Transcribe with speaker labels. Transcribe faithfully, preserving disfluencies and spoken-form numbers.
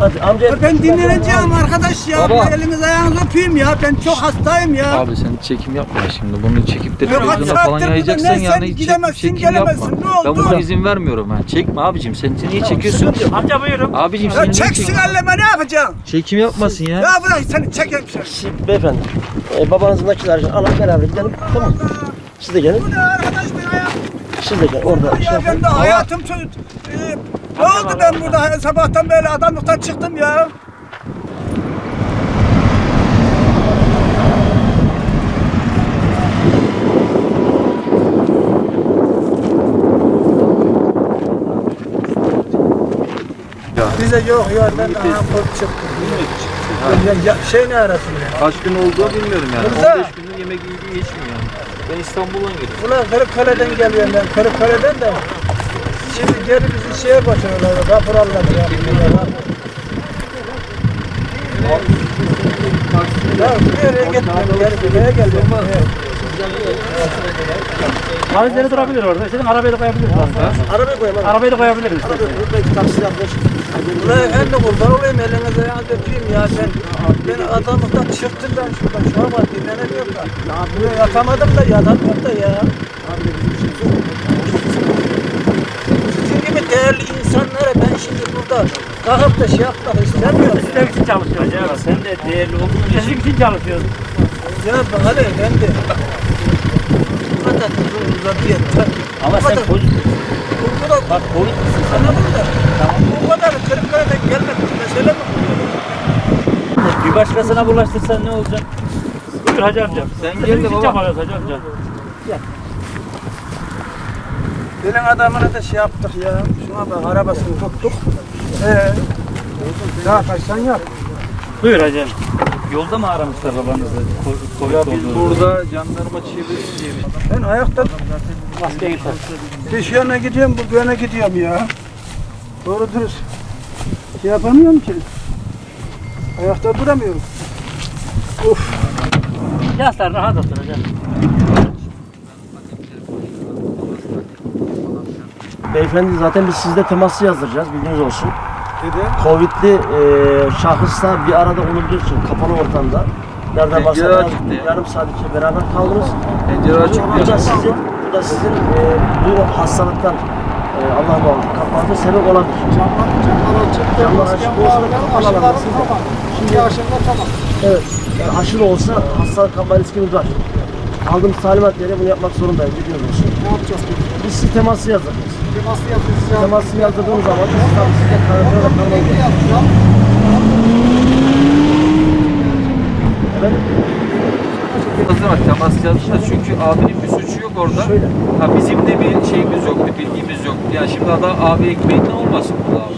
Speaker 1: Hadi amca.
Speaker 2: Ya ben dinleneceğim arkadaş ya.
Speaker 3: Baba.
Speaker 2: Eliniz ayağınızı öpeyim ya. Ben çok hastayım ya.
Speaker 3: Abi sen çekim yapma şimdi. Bunu çekip de
Speaker 2: Ya kaç
Speaker 3: televizyona falan
Speaker 2: saattir
Speaker 3: yayacaksın
Speaker 2: burada, ne
Speaker 3: yani.
Speaker 2: sen
Speaker 3: Hiç
Speaker 2: gidemezsin,
Speaker 3: çekim
Speaker 2: gelemezsin,
Speaker 3: yapma.
Speaker 2: ne oldu?
Speaker 3: Ben buna izin vermiyorum ha. Çekme abicim. Sen niye çekiyorsun?
Speaker 4: Amca buyurun.
Speaker 3: Abicim sen
Speaker 2: Ya
Speaker 3: niye
Speaker 2: çeksin
Speaker 3: çekiyorsun?
Speaker 2: elleme, ne yapacaksın?
Speaker 3: Çekim yapmasın ya.
Speaker 2: Ya bırak seni çekeyim seni.
Speaker 1: Siz, beyefendi. E, babanızın nakit harcını alın beraber gidelim. Tamam. Siz de gelin.
Speaker 2: Bu ne arkadaş ben ya?
Speaker 1: Siz de gelin. Orada şey
Speaker 2: Ya
Speaker 1: yapın.
Speaker 2: ben de hayatım çok... Ee, ne oldu ben burada sabahtan beri adamlıktan çıktım ya. Bize yok ya ben daha kork çıktım. Ya, ya, şey ne arasın ya?
Speaker 3: Kaç gün olduğu bilmiyorum yani.
Speaker 2: Rıza.
Speaker 3: on beş gündür yemek yediği geçmiyor yani. Ben İstanbul'dan geliyorum.
Speaker 2: Ulan Kırıkkale'den geliyorum ben, Kırıkkale'den de. Şimdi geri bizi şeye götürüyorlar, rapor alırlar ya. Ya nereye gitmiyorum, geri buraya geliyorum.
Speaker 4: Valizleri durabilir orada. İstediğin arabayı da koyabiliriz.
Speaker 1: Arabayı koyalım. Arabayı
Speaker 4: Arabayı da koyabiliriz.
Speaker 1: koyalım. Belki taksi yapmış.
Speaker 2: Ulan ben de kurban olayım, elinize ayağınızı öpeyim ya. Ben, ben adamlıktan çıktım ben şuradan, şu an var dinlenemiyorum da. Buraya yatamadım da, yatamıyorum da ya. Sizin gibi değerli insanlara ben şimdi burada kalkıp da şey yapmak istemiyorum.
Speaker 4: Sizin için çalışıyoruz ya.
Speaker 3: Sen de değerli olduğun
Speaker 4: Sizin için çalışıyoruz.
Speaker 2: Ya bana ne ben de. Bu kadar uzun uzadıya.
Speaker 4: Ama sen pozitif.
Speaker 2: Bu kadar.
Speaker 4: Bak pozitif misin sen?
Speaker 2: Anladın da. Bu kadar Kırıkkale'den gelmek bir mesele mi bu?
Speaker 4: Bir başkasına bulaştırsan ne olacak? Buyur hacı amca.
Speaker 3: Sen
Speaker 4: Sizin
Speaker 3: gel de
Speaker 4: için
Speaker 3: baba.
Speaker 4: çabalıyoruz hacı amca.
Speaker 2: Benim adamına da şey yaptık ya. Şuna bak arabasını tuttuk. Ee, daha kaçsan yap.
Speaker 4: Buyur hacı amca. Yolda mı aramışlar babanızı? Covid
Speaker 3: Ya biz
Speaker 4: olduğunu.
Speaker 3: burada jandarma çeviririz diye bir
Speaker 2: Ben ayakta
Speaker 4: Maske gitar.
Speaker 2: bir şu yana gidiyorum, bu yana gidiyorum ya. Doğru dürüst. Şey yapamıyorum ki. Ayakta duramıyorum. Uf.
Speaker 4: Yaslar rahat otur hacı.
Speaker 1: Beyefendi zaten biz sizde teması yazdıracağız. Bilginiz olsun.
Speaker 2: Dedi.
Speaker 1: Covid'li e, şahısla bir arada olabiliyorsun kapalı ortamda. Nereden
Speaker 3: Pencere
Speaker 1: bahsediyoruz?
Speaker 3: açıktı ya.
Speaker 1: Yarım saat içinde beraber kaldınız.
Speaker 3: pencere açık
Speaker 1: Bu da
Speaker 3: diyor.
Speaker 1: sizin, bu da sizin e, bu hastalıktan e, Allah muhafaza kapmanıza sebep olabilir. Camlar açık olsa da kapalı alanda siz de. Şimdi aşırıda tamam. Evet. Yani aşırı olsa hastalık kapma riskimiz var. Aldığımız talimat gereği bunu yapmak zorundayız. Biliyoruz olsun.
Speaker 2: Ne yapacağız peki?
Speaker 1: Biz size teması yazdırırız.
Speaker 2: Teması yapacağız ya.
Speaker 1: Teması yazdırdığımız zaman biz tabii size karantina kalmayız. Evet.
Speaker 3: Bak temas yazmışlar çünkü abinin bir suçu yok orada.
Speaker 1: Şöyle.
Speaker 3: Ha bizim de bir şeyimiz yoktu, bilgimiz yoktu. Yani şimdi adam abiye ekmeğinden olmasın bu abi.